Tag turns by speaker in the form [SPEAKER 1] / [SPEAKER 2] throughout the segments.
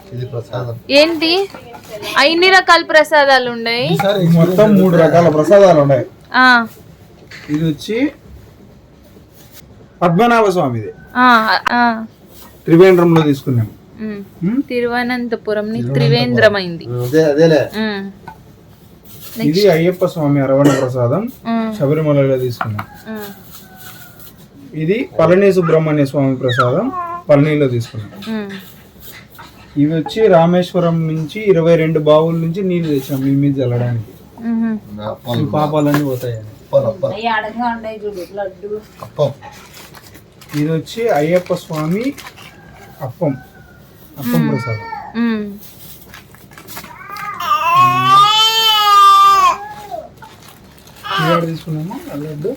[SPEAKER 1] ఏంటి అన్ని రకాల ప్రసాదాలు ఉన్నాయి?
[SPEAKER 2] మొత్తం 3 రకాల ప్రసాదాలు ఉన్నాయి. ఇది వచ్చి పద్మనాభ స్వామిది, త్రివేంద్రంలో తీసుకున్నాం.
[SPEAKER 1] తిరువనంతపురం త్రివేంద్రం అయింది.
[SPEAKER 2] ఇది అయ్యప్ప స్వామి అరవణ ప్రసాదం, శబరిమలలో తీసుకున్నాం. ఇది పళని సుబ్రహ్మణ్య స్వామి ప్రసాదం, పళనిలో తీసుకున్నాం. ఇవి వచ్చి రామేశ్వరం నుంచి 22 బావుల నుంచి నీళ్లు తెచ్చాం మీ మీద చల్లడానికి, పాపాలన్నీ పోతాయని. ఇది వచ్చి అయ్యప్ప స్వామి అప్పం ప్రసాదం. తీసుకున్నాము లడ్డు.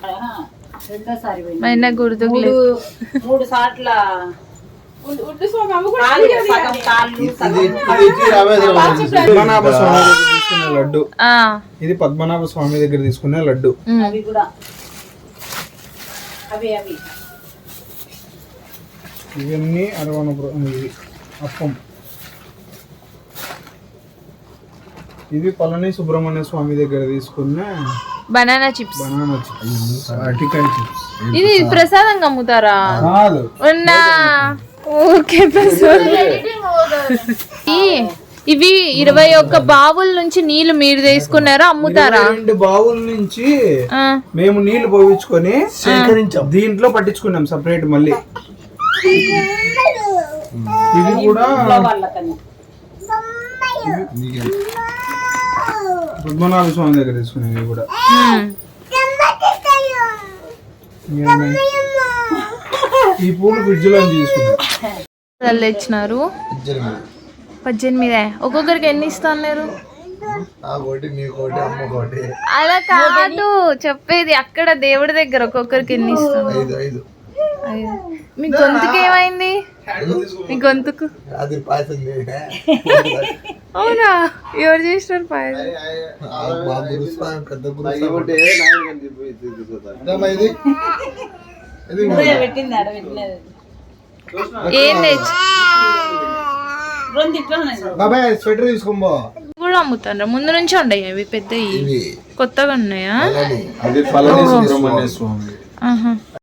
[SPEAKER 2] పద్మనాభ స్వామి దగ్గర తీసుకునే లడ్డు. ఇది పద్మనాభ స్వామి దగ్గర తీసుకునే లడ్డు. ఇవన్నీ అరవణ అప్పం. ఇది పళని సుబ్రహ్మణ్య స్వామి దగ్గర తీసుకున్న
[SPEAKER 1] బనానా చిప్స్.
[SPEAKER 2] అరటికాయ చిప్స్.
[SPEAKER 1] ఇది ప్రసాదంగా అమ్ముతారా? ఓకే. ఇవి 21 బావుల నుంచి నీళ్లు మీరు తీసుకున్నారా, అమ్ముతారా?
[SPEAKER 2] 2 బావుల నుంచి మేము నీళ్లు పోయించుకొని దీంట్లో పట్టించుకున్నాం సపరేట్. మళ్ళీ ఇది కూడా పద్మనాభ స్వామి దగ్గర తీసుకున్నాం. ఇవి కూడా ఈ పూలు ఫ్రిడ్జ్ లో తీసుకున్నాం.
[SPEAKER 1] తెచ్చినారు 18. ఒక్కొక్కరికి ఎన్ని ఇస్తున్నారు? అలా కాదు చెప్పేది, అక్కడ దేవుడి దగ్గర ఒక్కొక్కరికి ఎన్ని ఇస్తున్నారు?
[SPEAKER 2] 5.
[SPEAKER 1] మీ గొంతుకు ఏమైంది? మీ గొంతుకు అవునా? ఎవరు చేసినారు పాయసం? ఏం తెచ్చి కూడా అమ్ముతారా? ముందు నుంచి ఉండయి అవి పెద్దవి, కొత్తగా ఉన్నాయా?